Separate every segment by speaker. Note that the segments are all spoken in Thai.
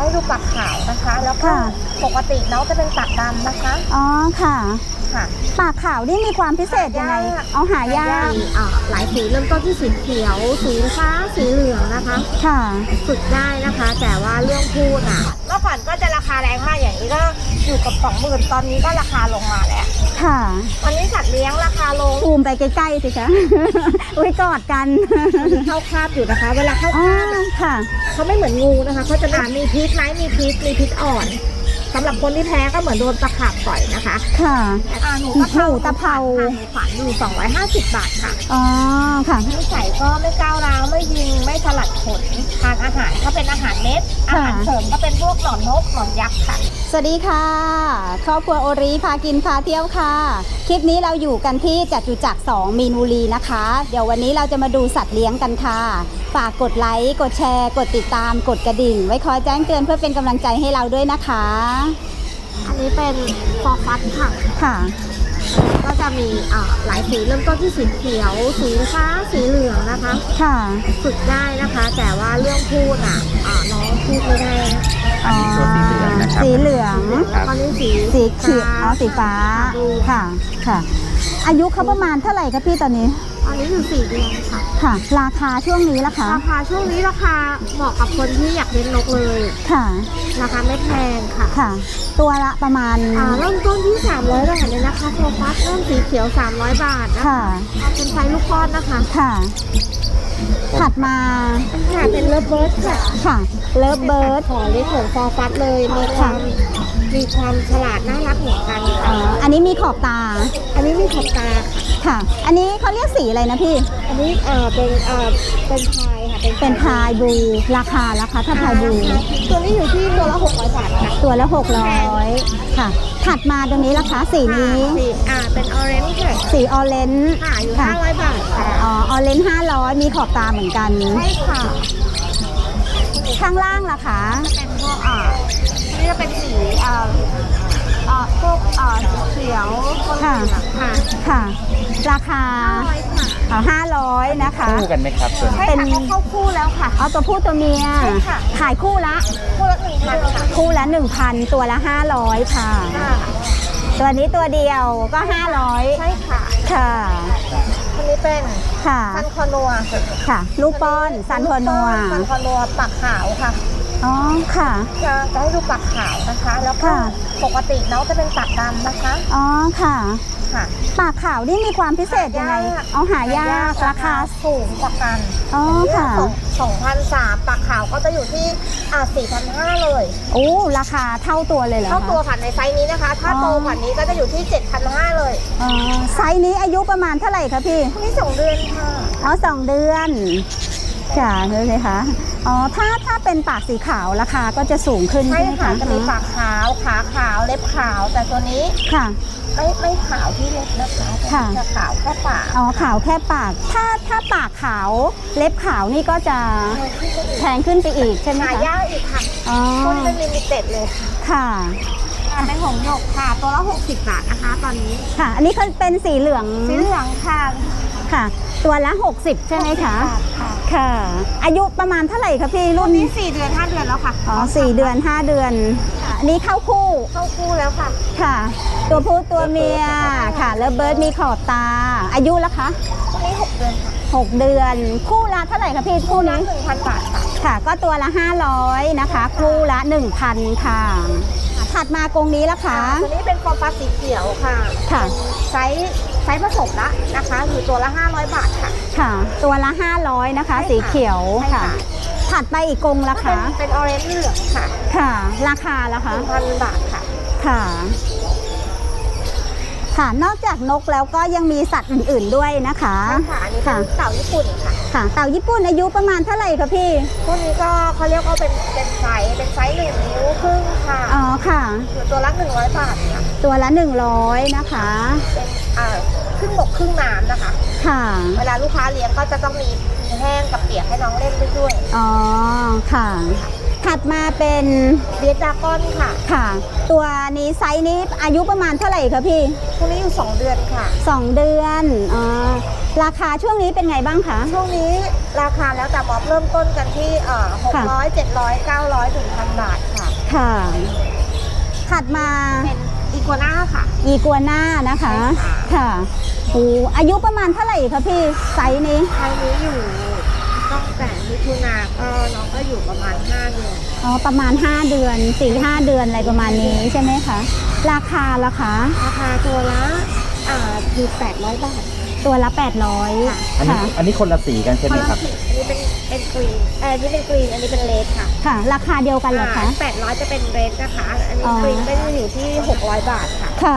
Speaker 1: ให้ดูปากขาวนะคะ แล้วก็ปกติน้องจะเป็นปากดำนะคะ
Speaker 2: อ๋อค่ะ
Speaker 1: ค่ะ
Speaker 2: ปากขาวนี่มีความพิเศษยังไงเอาหายาก
Speaker 1: หลายสีเริ่มต้นที่สีเขียวสีฟ้าสีเหลืองนะคะ
Speaker 2: ค่ะ
Speaker 1: ฝึกได้นะคะแต่ว่าเรื่องพูดเมื่อก่อนก็จะราคาแรงมากอย่างนี้ก็อยู่กับ20,000ตอนนี้ก็ราคาลงมาแล้ว
Speaker 2: ค่ะ
Speaker 1: วันนี้สัตว์เลี้ยงราคาลง
Speaker 2: ซูมไปใกล้ๆสิคะอุ้ยกอดกัน
Speaker 1: เข้าคาบอยู่นะคะเวลาเข้าคาบ
Speaker 2: ค่ะ
Speaker 1: เขาไม่เหมือนงูนะคะเขาจะมีพิษไหมมีพิษอ่อนสำหรับคนที่แพ้ก็เหมือนโดนตะขาบต่อยนะคะ
Speaker 2: ค่ะ
Speaker 1: หนูตะเภาฝันอยู่250 บาทค่ะ
Speaker 2: อ๋อค่ะ
Speaker 1: นิสัยก็ไม่ก้าวร้าวไม่ยิงไม่สลัดขนทานอาหารก็เป็นอาหารเม็ดอาหารเสริมก็เป็นพวกหนอนนกหนอนยักษ์ค่ะ
Speaker 2: สวัสดีค่ะครอบครัวโอริพากินพาเที่ยวค่ะคลิปนี้เราอยู่กันที่จตุจักร2 มีนบุรีนะคะเดี๋ยววันนี้เราจะมาดูสัตว์เลี้ยงกันค่ะฝากกดไลค์กดแชร์กดติดตามกดกระดิ่งไว้คอยแจ้งเตือนเพื่อเป็นกำลังใจให้เราด้วยนะคะ
Speaker 1: อันนี้เป็นฟอร์ฟัสค่ะ
Speaker 2: ค่ะ
Speaker 1: ก็จะมีหลายสีเริ่มต้นที่สีเขียวสีฟ้าสีเหลืองนะคะ
Speaker 2: ค่ะ
Speaker 1: ฝึกได้นะคะแต่ว่าเรื่องพูดน้องพูดไม่ได้
Speaker 2: อันนี้ตัวสีเหลืองนะครับสีเหลือง
Speaker 1: ตอนนี้
Speaker 2: สีเขียวสีฟ้าค่ะค่ะอายุเขาประมาณเท่าไหร่คะพี่ตอนนี้
Speaker 1: อันนี้อยู่4 เดือนค่ะ
Speaker 2: ค่ะราคาช่วงนี้ล่ะคะ
Speaker 1: ราคาช่วงนี้ราคาเหมาะกับคนที่อยากเลี้ยงนกเลย
Speaker 2: ค่ะ
Speaker 1: ราคาไม่แพงค่ะ
Speaker 2: ค่ะตัวละประมาณ
Speaker 1: เริ่มต้นที่300 บาทเลยนะคะโฟกัสเริ่มสีเขียว300 บาทนะคะเอาเป็นไซส์ลูกป้อนนะคะ
Speaker 2: ค่ะถัดมา
Speaker 1: ค่ะเป็นเลิฟเบิร์ดค่ะ
Speaker 2: ค่ะเลิฟเบิร์ด
Speaker 1: ขอเล็กของฟอร์ฟัสเลยมีความฉลาดน่ารักเหมือนกัน
Speaker 2: อันนี้มีขอบตา
Speaker 1: อันนี้มีขอบตา
Speaker 2: ค่ะอันนี้เขาเรียกสีอะไรนะพี่
Speaker 1: อันนี้เป็นพายค่ะ
Speaker 2: เป็นพายบลูราคาถ้าพายบลู
Speaker 1: ตัวนี้อยู่ที่ตัวละ600 บาทค่ะ
Speaker 2: ตัวละ600ค่ะถัดมาตรงนี้ราคาสีนี้
Speaker 1: เป็นออเรนจ์ค่ะ
Speaker 2: สีออเรนจ์
Speaker 1: ค่ะอยู่500 บาทค่ะ
Speaker 2: ออเรนจ์500มีขอบตาเหมือนกัน
Speaker 1: ใช่ค่ะ
Speaker 2: ข้างล่างล่ะคะ
Speaker 1: เป็นพวกนี่จะเป็นสีพวกสีเขียว
Speaker 2: ค่ะค่ะราคา500นะคะ
Speaker 3: คู่กันไหมครับส่วน
Speaker 1: เป็นเข้าคู่แล้วค่ะ
Speaker 2: เอาตัวผู้ตัวเมียขายคู่ละ
Speaker 1: 1,000ค่ะ
Speaker 2: คู่ละ 1,000 ตัวละ500ค่ะตัวนี้ตัวเดียวก็500
Speaker 1: ใช่ค่ะ
Speaker 2: ค่ะ
Speaker 1: อันนี้เป็นซันคอนัว
Speaker 2: ค่ะลูกป้อนซันคอนัว
Speaker 1: ปากขาวค่ะ
Speaker 2: อ๋อค่ะ
Speaker 1: จะให้ดูปากขาวนะคะแล้วก็ปกติน้องจะเป็นปากดำนะคะ
Speaker 2: อ๋อค่ะ
Speaker 1: ค่ะ
Speaker 2: ปากขาวนี่มีความพิเศษยังไงเอาหายากราคา
Speaker 1: สูงกว่ากัน
Speaker 2: อ๋อค่ะ
Speaker 1: 2,300ปากขาวก็จะอยู่ที่4,500เลย
Speaker 2: โอ้ราคาเท่าตัวเลยเหรอ
Speaker 1: เท่าตัวค่ะในไซส์นี้นะคะถ้าโตกว่านี้ก็จะอยู่ที่7,500เลย
Speaker 2: อ๋อไซส์นี้อายุประมาณเท่าไหร่คะพี่
Speaker 1: นี่2 เดือนค่ะ
Speaker 2: อ๋อ2 เดือนค่ะเลยไหมคะอ๋อถ้าเป็นปากสีขาวราคาก็จะสูงขึ้นใช่ไหมคะ
Speaker 1: จะมีปากขาวขาขาวเล็บขาวแต่ตัวนี้
Speaker 2: ค่ะ
Speaker 1: ไม่ขาวที่เล็บนะคะจะขาวแค่ปาก
Speaker 2: อ๋อขาวแค่ปากถ้าปากขาวเล็บขาวนี่ก็จะแพงขึ้นไปอีกใช่ไหมคะ
Speaker 1: หายากอีกค่ะ
Speaker 2: อ๋อ
Speaker 1: เป็นลิมิเต็ดเลย
Speaker 2: ค่ะ
Speaker 1: เป็นหงส์หยกค่ะตัวละ60 บาทนะคะตอนนี้
Speaker 2: ค่ะอันนี้เขาเป็นสีเหลือง
Speaker 1: ค่ะ
Speaker 2: ค่ะตัวละ60ใช่ไหมคะค่ะอายุประมาณเท่าไหร่คะพี่รุ่น
Speaker 1: นี้4 เดือน 5 เดือนแล้วค่ะ
Speaker 2: อ๋อ4 เดือน 5 เดือนอันนี้เข้าคู่
Speaker 1: แล้วค่ะ
Speaker 2: ค่ะตัวผู้ตัวเมียค่ะแล้วเบิร์ดมีขอบตาอายุแล้วคะ
Speaker 1: นี่6 เดือนค่ะ
Speaker 2: 6 เดือนคู่ละเท่าไหร่คะพี่คู่นี้
Speaker 1: 1,000 บาทค่ะ
Speaker 2: ค่ะก็ตัวละ500นะคะคู่ละ 1,000 ค่ะถัดมากรงนี้ละคะ
Speaker 1: ตัวนี้เป็นฟอร์ฟัสสีเขียวค่ะไซส์ผสมละนะคะอยู่ตัวละ500 บาทค่ะ
Speaker 2: ค่ะตัวละ500นะคะสีเขียวค่ะถัดไปอีกกรงละคะ
Speaker 1: เป็นออเรนจ์เหลืองค่ะ
Speaker 2: ค่ะราคาละคะ
Speaker 1: 1,000 บาทค่ะ
Speaker 2: ค่ะค่ะนอกจากนกแล้วก็ยังมีสัตว์อื่นๆด้วยนะคะ
Speaker 1: ค่ะอันนี้เป็นเต่าญี่ปุ่นค่ะ
Speaker 2: เต่าญี่ปุ่นอายุประมาณเท่าไหร่คะพี่
Speaker 1: พวกนี้ก็เขาเรียกว่าเป็นไซส์1 นิ้วครึ่งค่ะ
Speaker 2: อ๋อค่ะ
Speaker 1: อยู่ตัวละ100 บาทค่ะ
Speaker 2: ตัวละ100นะคะ
Speaker 1: เป็นครึ่งบกครึ่งน้ำนะคะ
Speaker 2: ค่ะ
Speaker 1: เวลาลูกค้าเลี้ยงก็จะต้องมีแห้งกับเปียกให้น้องเล่นด้วย
Speaker 2: อ๋อค่ะถัดมาเป็น
Speaker 1: เบียร์ดราก้อน
Speaker 2: ค่ะตัวนี้ไซส์นี้อายุประมาณเท่าไหร่คะพี่
Speaker 1: พวกนี้อยู่2 เดือนค่ะ
Speaker 2: 2 เดือนราคาช่วงนี้เป็นไงบ้างคะ
Speaker 1: ช่วงนี้ราคาแล้วแต่มอบเริ่มต้นกันที่600 700 900 1,000 บาทค่ะ
Speaker 2: ค่ะถัดมา
Speaker 1: เป็นอีกัวน่าค่ะ
Speaker 2: อีกัวน่านะคะ
Speaker 1: ใช่ค่ะ
Speaker 2: ค่ะโอ้อายุประมาณเท่าไหร่คะพี่ไซส์นี้
Speaker 1: ไซส์นี้อยู่ตั้งแต่มิถุนาก็น้องก็อยู่ประมาณ5 เดือน
Speaker 2: อ๋อประมาณ5 เดือน 4-5 เดือนอะไรประมาณนี้ใช่ไหมคะราคาล่ะคะ
Speaker 1: ราคาตัวละอยู่800 บาท
Speaker 2: ตัวละ800
Speaker 3: อันนี้
Speaker 2: ค่ะ
Speaker 3: อันนี้คนละสีกันใช่ไหมครับ
Speaker 1: อันนี้เป็นกรีนอันนี้เป็นกรีนอันนี้เป็นเลดค่ะ
Speaker 2: ค่ะ ราคาเดียวกันเหรอคะ
Speaker 1: 800จะเป็นเลดนะคะ อันนี้
Speaker 2: อ๋อ
Speaker 1: กรีนก็จะอยู่ที่600 บาทค่ะ
Speaker 2: ค่ะ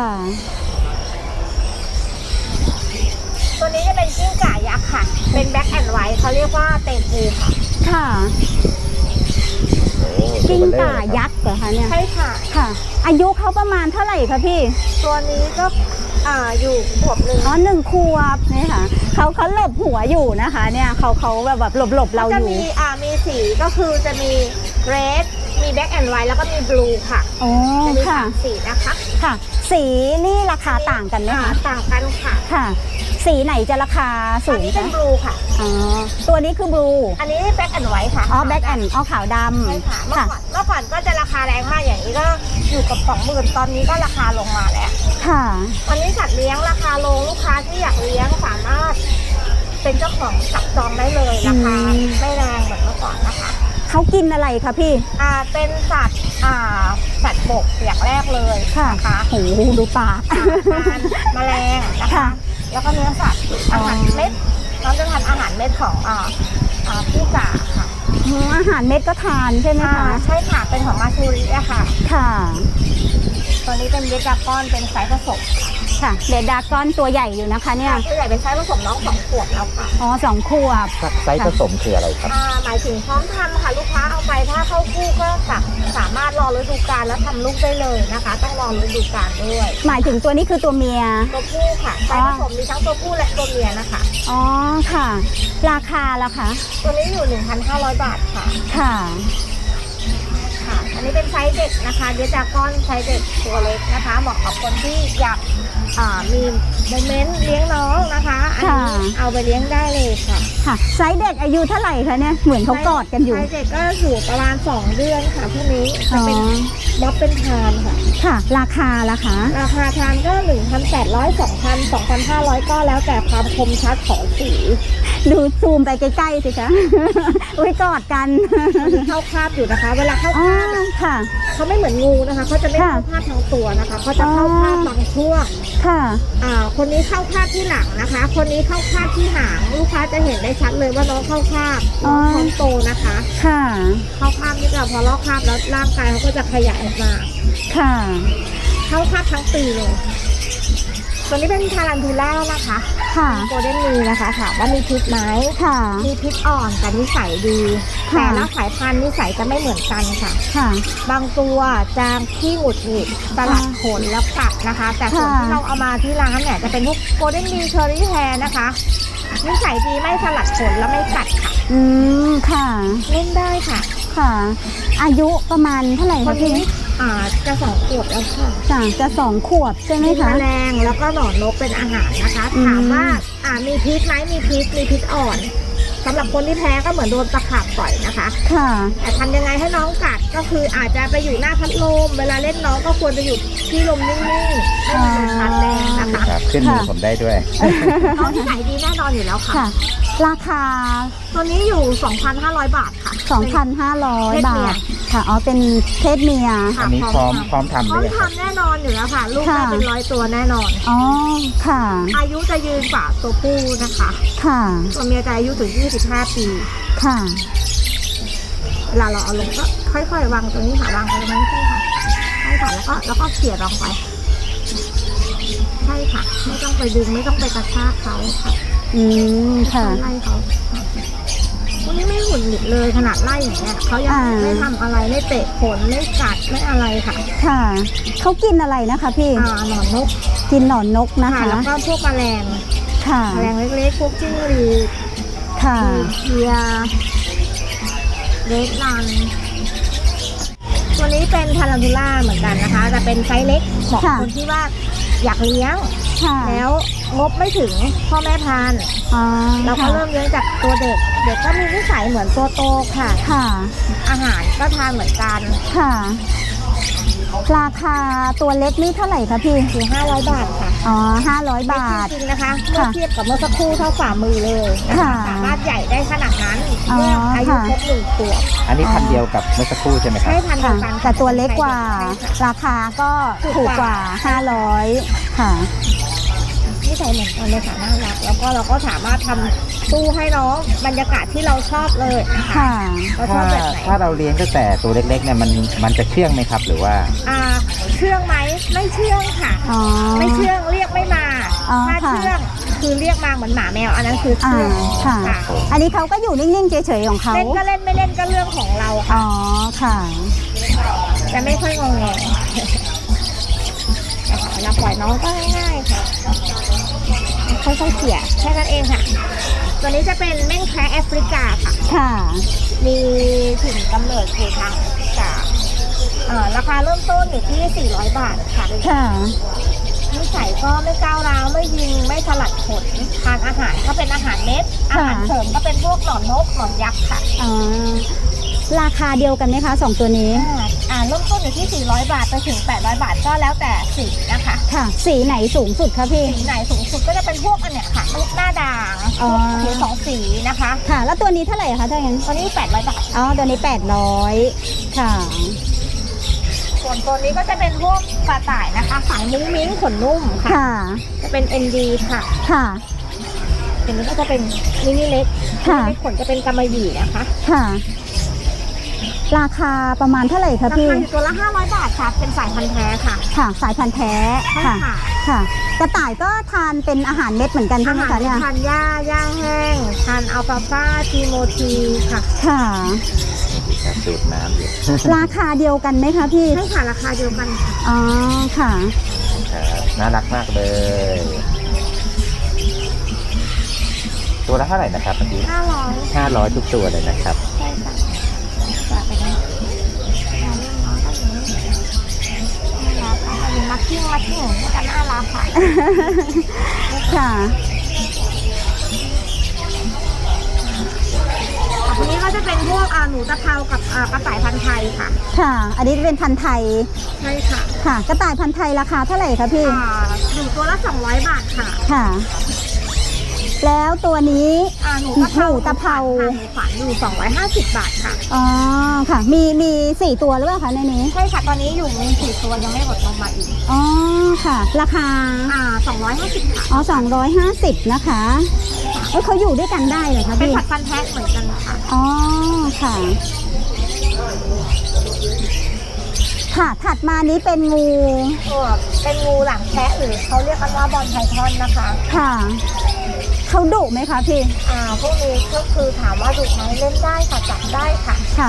Speaker 1: ตัวนี้จะเป็นกิ้งก่ายักษ์ค่ะ เป็นแบ็คแอนด์ไวท์เขาเรียกว่าเตปูค่ะ
Speaker 2: ค่ะ
Speaker 3: โอ้
Speaker 2: กิ้งก่ายักษ์เหรอคะเนี่ย
Speaker 1: ใช่ค่ะ
Speaker 2: ค่ะ อายุเขาประมาณเท่าไหร่คะพี่
Speaker 1: ตัวนี้ก็อยู่ขวบหนึ่ง
Speaker 2: อ๋อ1 ขวบนี่ค่ะเขาหลบหัวอยู่นะคะเนี่ยเขาแบบหลบเรา
Speaker 1: จะ
Speaker 2: อยู่
Speaker 1: มีสีก็คือจะมีเรดมีแบ็คแอนด์ไวท์แล้วก็มีบลูค่ะ
Speaker 2: อ๋อ
Speaker 1: จะมี
Speaker 2: ค่ะ
Speaker 1: 3 สีนะคะ
Speaker 2: ค่ะ สีนี่ราคาต่างกันไหมคะ
Speaker 1: ต่างกันค่ะ
Speaker 2: ค่ะ สีไหนจะราคาสู
Speaker 1: อัน
Speaker 2: ง
Speaker 1: นี้เป็น
Speaker 2: คะ
Speaker 1: บลูค่ะ
Speaker 2: อ๋อตัวนี้คือบลู
Speaker 1: อันนี้แบ็คแอนด์ไวท์ค่ะ
Speaker 2: อ๋อแบ็กแอนอ๋อขาวด
Speaker 1: ใช่ค่ะ
Speaker 2: ำ
Speaker 1: เมื่อ
Speaker 2: ค่ะ
Speaker 1: ก่อนก็จะราคาแรงมากอย่างนี้ก็อยู่กับ20,000ตอนนี้ก็ราคาลงมาแล้ว
Speaker 2: ค่ะ
Speaker 1: วันนี้สัตว์เลี้ยงราคาลงลูกค้าที่อยากเลี้ยงสามารถเป็นเจ้าของจับจองได้เลยราคาไม่แรงเหมือนเมื่อก่อนนะคะ
Speaker 2: เขากินอะไรคะพี่
Speaker 1: เป็นสัตว์สัตว์บกอย่างแรกเลย
Speaker 2: ค่ะ
Speaker 1: นะคะ
Speaker 2: โหดูปาก
Speaker 1: ทานแมลงนะคะ
Speaker 2: ค่ะ
Speaker 1: แล้วก็เนื้อสัตว์อาหารเม็ดน้องจะทานอาหารเม็ดของพี่จ๋าค่ะ
Speaker 2: อาหารเม็ดก็ทานใช่ไหมคะ
Speaker 1: ใช่ค่ะเป็นของมาชูริอะค่ะ
Speaker 2: ค่ะ
Speaker 1: ตัวนี้เป็นเยดากอนเป็นไซส์ผสม
Speaker 2: ค่ะเดดดากอนตัวใหญ่อยู่นะคะเนี่ย
Speaker 1: ตัวใหญ่เป็นไซส์ผสมน้อง2 ขวบแล้วค่ะ
Speaker 2: อ๋อ2 ขวบ
Speaker 3: ไซส์ผสมคืออะไรครับ
Speaker 1: หมายถึงพร้อมทำค่ะลูกค้าเอาไปถ้าเข้าคู่ก็สามารถรอฤดูกาลแล้วทำลูกได้เลยนะคะ ต้องรอฤดูกาลด้วย
Speaker 2: หมายถึงตัวนี้คือตัวเมีย
Speaker 1: ตัวผู้ค่ะไซส์ผสมมีทั้งตัวผู้และตัวเมียนะคะ
Speaker 2: อ๋อค่ะ ราคาล่ะคะ
Speaker 1: ตัวนี้อยู่ 1,500 บาทค่ะ
Speaker 2: ค่ะ
Speaker 1: ค่ะ อันนี้เป็นไซส์เด็กนะคะเดดากอนไซส์เด็กตัวเล็กนะคะเหมาะกับคนที่อยากมีโมเมนต์เลี้ยงน้องนะคะอันนี้
Speaker 2: ค่ะ
Speaker 1: เอาไปเลี้ยงได้เลยค่ะ
Speaker 2: ค่ะไซส์เด็กอายุเท่าไหร่คะเนี่ยเหมือนเขากอดกันอยู่
Speaker 1: ไซส์เด็กก็อยู่ประมาณ2 เดือนค่ะพวกนี้จะ
Speaker 2: อ๋อ
Speaker 1: เป็นม็อบเป็นทานค่ะ
Speaker 2: ค่ะ ราคาล่ะคะ
Speaker 1: ราคาทานก็ 1,800 2,000 2,500 ก็แล้วแต่ความคมชัดของสี
Speaker 2: ดูซูมไปใกล้ๆสิคะ อุ้ยกอดกัน
Speaker 1: มันเข้าคาบอยู่นะคะ เวลาเข้า
Speaker 2: อ๋อ
Speaker 1: คาบ
Speaker 2: ค่ะ
Speaker 1: เขาไม่เหมือนงูนะคะเขาจะไม่
Speaker 2: ค่ะ
Speaker 1: เข้าคาบทั้งตัวนะคะเขาจะเข้าคาบบางช่วง
Speaker 2: ค่ะ
Speaker 1: คนนี้เข้าคาบที่หลังนะคะ คนนี้เข้าคาบที่หางลูกค้าจะเห็นได้ชัดเลยว่าน้องเข้าคาบน้องท้องโตนะคะ
Speaker 2: ค่ะ
Speaker 1: เข้าคาบนี่ก็พอลอกคาบแล้วร่างกายเขาก็จะขยายออกมา
Speaker 2: ค่ะ
Speaker 1: เข้าคาบทั้งปีเลยตัวนี้เป็นทารันทูล่านะคะ
Speaker 2: ค่ะ
Speaker 1: โกลเด้นมีนะคะถามว่ามีพิษไหม
Speaker 2: ค่ะ
Speaker 1: มีพิษอ่อนแต่นิสัยดี
Speaker 2: ค่ะ
Speaker 1: แต่ละสายพันธุ์นิสัยจะไม่เหมือนกันค่ะ
Speaker 2: ค่ะ
Speaker 1: บางตัวจางขี้หงุดหงิดสลัดขนแล้วกัดนะคะ แต่ส่วน
Speaker 2: ค่ะ
Speaker 1: ที่เราเอามาที่ร้านเนี่ยจะเป็นพวกโกลเด้นมีเชอรี่แฮร์นะคะนิสัยดีไม่สลัดขนและไม่กัดค่ะ
Speaker 2: อืม ค่ะ
Speaker 1: เล่นได้ค่ะ
Speaker 2: ค่ะ อายุประมาณเท่าไหร่
Speaker 1: ค
Speaker 2: คะ
Speaker 1: น
Speaker 2: พี่
Speaker 1: นี้จะ2 ขวบแล้วค่ะ
Speaker 2: จะ2 ขวบใช่ไหม
Speaker 1: มี
Speaker 2: คะ
Speaker 1: แมลงแล้วก็หนอนนกเป็นอาหารนะคะ
Speaker 2: อืม
Speaker 1: ถามว่ามีพิษไหมมีพิษอ่อนสำหรับคนที่แพ้ก็เหมือนโดนตะขาบต่อยนะคะ
Speaker 2: ค่ะ
Speaker 1: แต่ทำยังไงให้น้องกัดก็คืออาจจะไปอยู่หน้าพัดลมเวลาเล่นน้องก็ควรจะอยู่ที่ลมนิ่งๆไม่มีลมพัดแรงนะคะ
Speaker 3: ครับขึ้นมือผมได้ด้วย
Speaker 1: น้องที่ไหนดีแน่นอนอยู่แล้วค่ะ
Speaker 2: ค่ะ ราคา
Speaker 1: ตัวนี้อยู่ 2,500 บาทค่ะ
Speaker 2: 2,500 บาท ค่ะ อ๋อ เป็นเพศเมีย
Speaker 1: ค่ะ
Speaker 3: อันนี้พร้อมทำ
Speaker 1: พร้อ
Speaker 3: ห
Speaker 1: ม
Speaker 3: รือยังครับ
Speaker 1: ทำแน่นอนอยู่แล้วค่ะ ลูกได้
Speaker 2: ค่ะ
Speaker 1: เป็น100 ตัวแน่นอน
Speaker 2: อ๋อ ค่ะ
Speaker 1: อายุจะยืนกว่าตัวผู้นะคะ
Speaker 2: ค่ะ
Speaker 1: ตัวเมียจะอายุถึง 25 ปี
Speaker 2: ค่ะ
Speaker 1: เวลาเราเอาลงก็ค่อยๆวางตรงนี้ค่ะวางตรงนี้ใช่ค่ะใช่ค่ะแล้วก็เขี่ยลงไปใช่ค่ะ ไม่ต้องไปดึงไม่ต้องไปกระชากเขาค่ะ
Speaker 2: อืม ค่ะ
Speaker 1: ไล่เขาพวกนี้ไม่หงุดหงิดเลยขนาดไล่อย่างเงี้ยเขายังไม่ทำอะไรไม่เตะขนไม่กัดไม่อะไรค่ะ
Speaker 2: ค่ะ เขากินอะไรนะคะพี่
Speaker 1: หนอนนก
Speaker 2: กินหนอนนกนะ
Speaker 1: ค่ะ
Speaker 2: คะ
Speaker 1: แล้วก็พวกแมลง
Speaker 2: ค่ะ
Speaker 1: แมลงเล็กๆพวกจิ้งหรีด
Speaker 2: ค่ะ
Speaker 1: เพียเรดรันตัวนี้เป็นทารันทูล่าเหมือนกันนะคะแต่เป็นไซส์เล็กเหมาะกับคนที่ว่าอยากเลี้ยง
Speaker 2: ค่ะ
Speaker 1: แล้วงบไม่ถึงพ่อแม่พันธุ์
Speaker 2: อ๋อ
Speaker 1: เราก็
Speaker 2: ค่ะ
Speaker 1: เริ่มเลี้ยงจากตัวเด็ก เด็กก็มีนิสัยเหมือนตัวโตค่ะ
Speaker 2: ค่ะ
Speaker 1: อาหารก็ทานเหมือนกัน
Speaker 2: ค่ะราคาตัวเล็กนี่เท่าไหร่คะพี่
Speaker 1: อยู่500 บาทค่ะ
Speaker 2: อ๋อ500 บาท
Speaker 1: จริงๆนะคะเมื่อเทียบกับเมื่อสักครู่เท่าฝ่ามือเลยนะคะ
Speaker 2: ค่ะ
Speaker 1: สามารถใหญ่ได้ขนาดนั้น
Speaker 2: อ๋อ
Speaker 1: เมื่ออายุ
Speaker 2: ค่ะ
Speaker 1: ครบ1 ขวบ
Speaker 3: อันนี้พันเดียวกับเมื่อสักครู่ใช่ไหมครับ
Speaker 1: ใช่พันเดี
Speaker 2: ค่ะ
Speaker 1: ยวกัน
Speaker 2: แต่ตัวเล็กกว่า
Speaker 1: ใช่ค่ะ
Speaker 2: ราคาก็ถูกกว่า500ค่ะ
Speaker 1: ที่ใส่เหมือนกันเลยค่ะน่ารักแล้วก็เราก็สามารถทำตู้ให้น้องบรรยากาศที่เราชอบเลยนะคะ
Speaker 2: ค่ะ
Speaker 1: เราชอบแบบไหน
Speaker 3: ถ้าเราเลี้ยงตั้งแต่ตัวเล็กๆเนี่ยมันจะเชื่องไหมครับหรือว่า
Speaker 1: เชื่องไหมไม่เชื่องค่ะ
Speaker 2: อ๋อ
Speaker 1: ไม่เชื่องเรียกไม่มา
Speaker 2: อ๋อ
Speaker 1: ถ้า
Speaker 2: ค่ะ
Speaker 1: เชื่องคือเรียกมาเหมือนหมาแมวอันนั้นคือ
Speaker 2: อ่า
Speaker 1: เชื่อง
Speaker 2: ค่ะ
Speaker 1: ค่ะ
Speaker 2: อันนี้เขาก็อยู่นิ่งๆเฉยๆของเขา
Speaker 1: เล่นก็เล่นไม่เล่นก็เรื่องของเรา
Speaker 2: อ๋
Speaker 1: ค่ะ
Speaker 2: อค่ะ
Speaker 1: จะไม่ค่อยงงแงเราปล่อยน้องก็ง่ายๆค่ะค่อยๆเขี่ยแค่นั้นเองค่ะ ตัวนี้จะเป็นแม่งแคระแอฟริกาค่ะ
Speaker 2: ค่ะ
Speaker 1: มีถิ่นกำเนิดอยู่ทางแอฟริการาคาเริ่มต้นอยู่ที่400 บาทค่ะ
Speaker 2: ค่ะ
Speaker 1: นิสัยก็ไม่ก้าวร้าวไม่ยิงไม่สลัดขนทานอาหารก็เป็นอาหารเม็ดอาหารเสริมก็เป็นพวกหนอนนกหนอนยักษ์ค่ะ
Speaker 2: อ๋อ ราคาเดียวกันไหมคะ2ตัวนี้
Speaker 1: เริ่มต้นอยู่ที่400 บาทไปถึง800 บาทก็แล้วแต่สีนะคะ
Speaker 2: ค่ะ สีไหนสูงสุดคะพี่
Speaker 1: สีไหนสูงสุดก็จะเป็นพวกอันเนี้ยค่ะลูกหน้าด่าง
Speaker 2: อ๋อ
Speaker 1: พวกผิว2 สีนะคะ
Speaker 2: ค่ะ แล้วตัวนี้เท่าไหร่คะถ้าอย่างนั้น
Speaker 1: ตัวนี้800 บาท
Speaker 2: อ๋อ ตัวนี้800ค่ะ
Speaker 1: ส่วนตัวนี้ก็จะเป็นพวกกระต่ายนะคะสายมุ้งมิ้งขนนุ่มค่ะ
Speaker 2: ค่ะ
Speaker 1: จะเป็น ND ค่ะ
Speaker 2: ค่ะ
Speaker 1: ตัวนี้ก็จะเป็นมินิเล็ก
Speaker 2: ค่ะ
Speaker 1: มินิเล็กขนจะเป็นกำมะหยี่นะคะ
Speaker 2: ค่ะ ราคาประมาณเท่าไหร่คะ
Speaker 1: รา
Speaker 2: พี่
Speaker 1: คาอยู่ตัวละ500 บาทค่ะเป็นสายพันธุ์แท้ค่ะ
Speaker 2: ค่ะ สายพันธุ์แท้
Speaker 1: ใช่
Speaker 2: ค่ะ
Speaker 1: ค่ะ
Speaker 2: ค่ะ กระต่ายก็ทานเป็นอาหารเม็ดเหมือนกันใช่ไหมคะเนี่ย
Speaker 1: ทานหญ้าแห้งทานอัลฟาฟาทีโมทีค่ะ
Speaker 2: ค่ะ
Speaker 3: ครับสูตรน้ำอยู่
Speaker 2: ราคาเดียวกันไหมคะพี่
Speaker 1: ใช่ค่ะราคาเดียวกันค่ะ
Speaker 2: อ๋อ ค่ะ
Speaker 3: ครับน่ารักมากเลย ตัวละเท่าไหร่นะครับเมื่อกี้
Speaker 1: 500
Speaker 3: 500 ทุกตัวเลยนะครับ
Speaker 1: ใช่ค่ะฝากไปนะเอาเรื่องน้องก็อย่างนี้น่ารักค่ะอันนี้มักกิ้งก็จะน่ารักค่ะ
Speaker 2: ค่ะ
Speaker 1: อันนี้ก็จะเป็นพวกหนูตะเภากับกระต่ายพันธุ์ไทยค่ะ
Speaker 2: ค่ะ อันนี้เป็นพันธุ์ไทย
Speaker 1: ใช่ค่ะ
Speaker 2: ค่ะ กระต่ายพันธุ์ไทยราคาเท่าไหร่คะพี่
Speaker 1: อยู่ตัวละ200 บาทค่ะ
Speaker 2: ค่ะ แล้วตัวนี้
Speaker 1: หนูตะเภา
Speaker 2: หนูตะเภา
Speaker 1: ค่ะหนูฝันอยู่250 บาทค่ะ
Speaker 2: อ๋อ ค่ะ มี4ตัวหรือเปล่าคะในนี้
Speaker 1: ใช่ค่ะ ตอนนี้อยู่มี4 ตัวยังไม่หมดลงมาอีก
Speaker 2: อ๋อ ค่ะ ราคา
Speaker 1: 250ค่ะ
Speaker 2: อ๋อ250นะคะเอ้ยเขาอยู่ด้วยกันได้เหรอคะ
Speaker 1: เป็น
Speaker 2: พี่
Speaker 1: ผัดฟันธุ์แท้เหมือนกันค่ะ
Speaker 2: อ๋อ ค่ะ ค่ะ ถัดมานี้เป็นงู
Speaker 1: เป็นงูหลังแคะหรือเขาเรียกกันว่าบอลไพทอนนะคะ
Speaker 2: ค่ะ เขาดุไหมคะพี่
Speaker 1: พวกนี้ก็คือถามว่าดุไหมเล่นได้ค่ะจับได้ค่ะ
Speaker 2: ค่ะ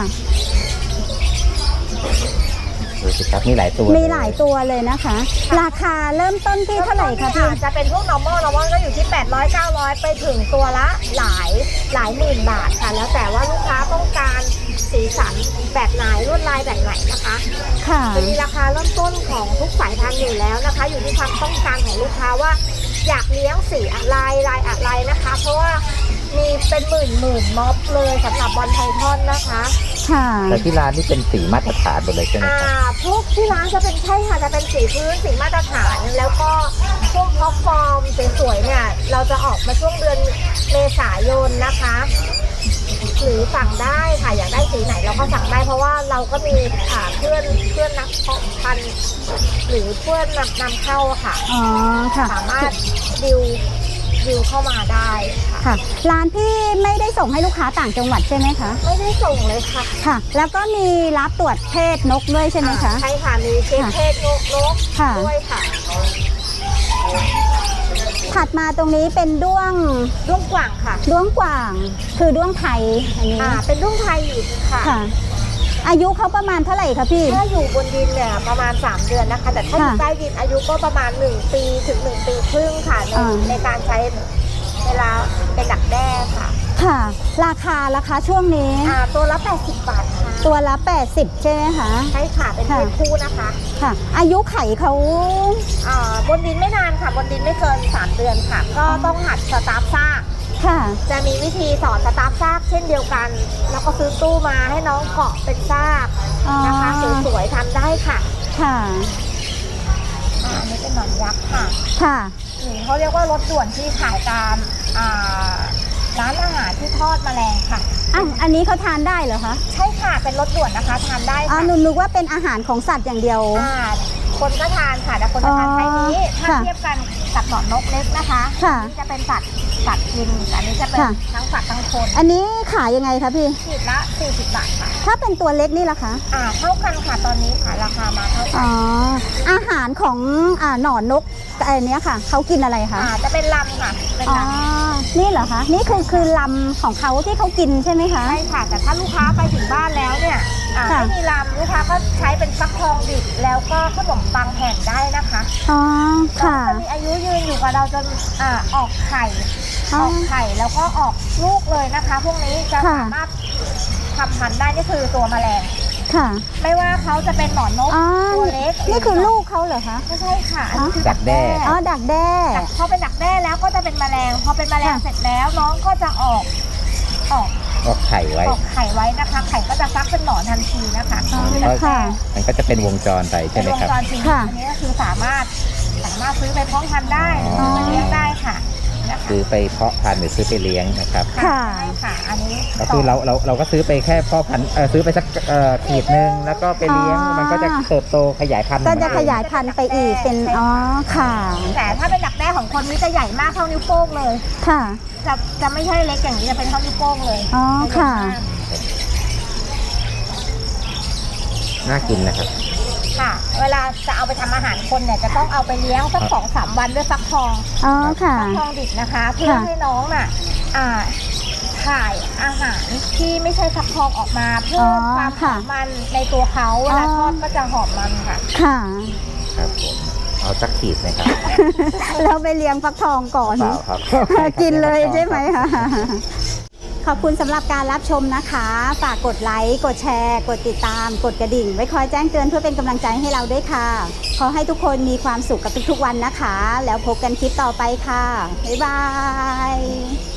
Speaker 3: ดูสิครับมีหลายตัว
Speaker 2: มีหลายตัวเลยนะคะ ราคาเริ่มต้นที่เท่าไหร่คะพี่
Speaker 1: จะเป็นพวก normal ก็อยู่ที่800 900 ไปถึงตัวละหลายหมื่นบาทค่ะ แล้วแต่ว่าลูกค้าต้องการสีสันแบบไหนลวดลายแบบไหนนะคะ
Speaker 2: ค่ะ
Speaker 1: จะมีราคาเริ่มต้นของทุกสายพันธุ์อยู่แล้วนะคะ อยู่ที่ความต้องการของลูกค้าว่าอยากเลี้ยงสีอะไรลายอะไรนะคะ เพราะว่ามีเป็นหมื่นม็อบเลยสำหรับบอลไพทอนนะคะ
Speaker 2: ค่ะ
Speaker 3: แต่ที่ร้านนี่เป็นสีมาตรฐานหมดเลยใช่ไหมครับ
Speaker 1: พวกที่ร้านจะเป็นใช่ค่ะจะเป็นสีพื้นสีมาตรฐานแล้วก็พวกท็อปฟอร์มสวยๆเนี่ยเราจะออกมาช่วงเดือนเมษายนนะคะ หรือสั่งได้ค่ะอยากได้สีไหนเราก็สั่งได้เพราะว่าเราก็มีเพื่อนนักเพาะพันธุ์หรือเพื่อนนำเข้าค่ะ
Speaker 2: อ๋อ ค่ะ
Speaker 1: สามารถดิวเข้ามาได้ค่ะ
Speaker 2: ค่ะ ร้านพี่ไม่ได้ส่งให้ลูกค้าต่างจังหวัดใช่ไหมคะ
Speaker 1: ไม่ได้ส่งเลยค่ะ
Speaker 2: ค่ะ แล้วก็มีรับตรวจเพศนกด้วยใช่ไหมคะ
Speaker 1: ใช่ค่ะมีเช็คเพศนก
Speaker 2: ค่ะ
Speaker 1: ด้วยค่ะ
Speaker 2: ถัดมาตรงนี้เป็นด้วง
Speaker 1: ด้วงกว่างค่ะ
Speaker 2: ด้วงกว่าง คือด้วงไทยอันนี้
Speaker 1: เป็นด้วงไทยอยู่ค่ะ
Speaker 2: ค่ะ อายุเขาประมาณเท่าไหร่คะพี่
Speaker 1: ถ้าอยู่บนดินเนี่ยประมาณ3 เดือนนะคะ แต่ถ้าอยู่
Speaker 2: ค่ะ
Speaker 1: ใต้ดินอายุก็ประมาณ1 ปีถึง1 ปีครึ่งค่ะในการใช้เวลาเป็นดักแด้ค่ะ
Speaker 2: ค่ะ ราคาช่วงนี้
Speaker 1: ตัวละ80 บาทค่ะ
Speaker 2: ตัวละ80ใช่ไหมคะ
Speaker 1: ใช่ค่ะเป็นเพศคู่นะคะ
Speaker 2: ค่ะ อายุไขเขา
Speaker 1: บนดินไม่นานค่ะบนดินไม่เกิน3 เดือนค่ะ ก็ต้องหัดสตาร์ฟซาก
Speaker 2: ค่ะ
Speaker 1: จะมีวิธีสอนสตาร์ฟซากเช่นเดียวกัน แล้วก็ซื้อตู้มาให้น้องเกาะเป็นซาก
Speaker 2: อ๋อ
Speaker 1: นะคะสวยๆทำได้ค่ะ
Speaker 2: ค่ะ
Speaker 1: อันนี้เป็นหนอนยักษ์ค่ะ
Speaker 2: ค่ะ
Speaker 1: หรือเขาเรียกว่ารถด่วนที่ขายตามร้านอาหารที่ทอดแมลงค่ะ
Speaker 2: อ้าวอันนี้เขาทานได้เหรอคะ
Speaker 1: ใช่ค่ะเป็นรถด่วนนะคะทานได้
Speaker 2: อ๋อ
Speaker 1: ค่ะ
Speaker 2: หนูนึกว่าเป็นอาหารของสัตว์อย่างเดียว
Speaker 1: คนก็ทานค่ะแต่คนจะทานไซส์นี้ถ้า
Speaker 2: ค่ะ
Speaker 1: เทียบกันกับหนอนนกเล็กนะคะ
Speaker 2: ค่ะ
Speaker 1: อันนี้จะเป็นสัตว์กินอันนี้จะเป็น
Speaker 2: ค่ะ
Speaker 1: ทั้งสัตว์ทั้งคน
Speaker 2: อันนี้ขายยังไงคะพี่
Speaker 1: ขีดละ40 บาทค่ะ
Speaker 2: ถ้าเป็นตัวเล็กนี่ล่ะคะ
Speaker 1: เท่ากันค่ะตอนนี้ค่ะราคามาเท่ากั
Speaker 2: อ๋อ อาหารของหนอนนกอันเนี้ยค่ะ เขากินอะไรคะ
Speaker 1: จะเป็นลำค่ะเป็น
Speaker 2: อ๋อ
Speaker 1: ลำ
Speaker 2: นี่เหรอคะ นี่คือลำของเขาที่เขากินใช่ไหมคะ
Speaker 1: ใช่ค่ะแต่ถ้าลูกค้าไปถึงบ้านแล้วเนี่ย
Speaker 2: ค่ะ
Speaker 1: ไม่มีลำลูกค้าก็ใช้เป็นฟักทองดิบแล้วก็ขนมปังแผ่นได้นะคะ
Speaker 2: อ๋อ ค่ะ
Speaker 1: จะมีอายุยืนอยู่กับเราจนออกไข่
Speaker 2: อ๋อ
Speaker 1: ออกไข่แล้วก็ออกลูกเลยนะคะ พวกนี้จะ
Speaker 2: ค่ะ
Speaker 1: สามารถทำพันธุ์ได้นี่คือตัวแมลง
Speaker 2: ค่ะ
Speaker 1: ไม่ว่าเขาจะเป็นหนอนนก
Speaker 2: อ๋อ
Speaker 1: ตัวเล็ก
Speaker 2: นี่คือลูกเขาเหรอคะ
Speaker 1: ไม่ใช่ค่ะอันนี้คือ
Speaker 3: ดักแด้
Speaker 2: อ๋อ ดักแด้
Speaker 1: พอเป็นดักแด้แล้วก็จะเป็นแมลงพอเป็นแมลง
Speaker 2: ค่ะ
Speaker 1: เสร็จแล้วน้องก็จะออก
Speaker 3: ออกไข่ไว้
Speaker 1: ออกไข่ไว้นะคะ ไข่ก็จะฟักเป็นหนอนทันทีนะคะ
Speaker 2: อ๋อ
Speaker 1: คือดัก
Speaker 2: ค่ะ
Speaker 1: แด้
Speaker 3: มันก็จะเป็นวงจรไปใช่
Speaker 1: เป็น
Speaker 3: ไหม
Speaker 1: วง
Speaker 3: ครับ
Speaker 1: จรจริง
Speaker 2: ค่ะ
Speaker 1: อันนี้ก็คือสามารถซื้อไปเพาะพันธุ์ได้หรือซื้อไปเลี้ยงได้ค่ะนะคะ
Speaker 3: ซื้อไปเพาะพันธุ์หรือซื้อไปเลี้ยงนะครับ
Speaker 2: ค่ะ
Speaker 1: ใช่ค่ะ อันนี้
Speaker 3: ก็คือเราก็ซื้อไปแค่พ่อพันธุ์ซื้อไปสักขีดหนึ่งแล้วก็ไปเลี้ยง
Speaker 2: อ๋อ
Speaker 3: มันก็จะเติบโตขยายพันธุ์
Speaker 2: ก็จะ
Speaker 3: ของมัน
Speaker 2: ข
Speaker 3: เอง
Speaker 2: ยายพันธุ์ไปอีกเป็น อ๋อ ค่ะ
Speaker 1: แต่ถ้าเป็นดักแด้ของคนนี้จะใหญ่มากเท่านิ้วโป้งเลย
Speaker 2: ค่ะ
Speaker 1: จะไม่ใช่เล็กอย่างนี้จะเป็นเท่านิ้วโป้งเลย
Speaker 2: อ๋อ ค่ะ
Speaker 3: น่ากินนะครับ
Speaker 1: ค่ะ เวลาจะเอาไปทำอาหารคนเนี่ยจะต้องเอาไปเลี้ยงสัก 2-3 วันด้วยฟักทอง
Speaker 2: อ๋อ ค่ะ
Speaker 1: ฟักทองดิบนะคะ เพื่อให้น้องน่ะถ่ายอาหารที่ไม่ใช่ฟักทองออกมาเพิ่มความหอมมันในตัวเขาเวลาทอดก็จะหอมมันค่ะ
Speaker 2: ค่ะ
Speaker 3: ครับผมเอาสักขีดนะครับ
Speaker 2: แล้วไปเลี้ยงฟักทองก่อน
Speaker 3: เปล่าครับ
Speaker 2: กินเลยใช่ไหมคะ ขอบคุณสำหรับการรับชมนะคะ ฝากกดไลค์ กดแชร์ กดติดตาม กดกระดิ่ง ไว้คอยแจ้งเตือนเพื่อเป็นกำลังใจให้เราด้วยค่ะ ขอให้ทุกคนมีความสุขกับทุกๆวันนะคะ แล้วพบกันคลิปต่อไปค่ะ บ๊ายบาย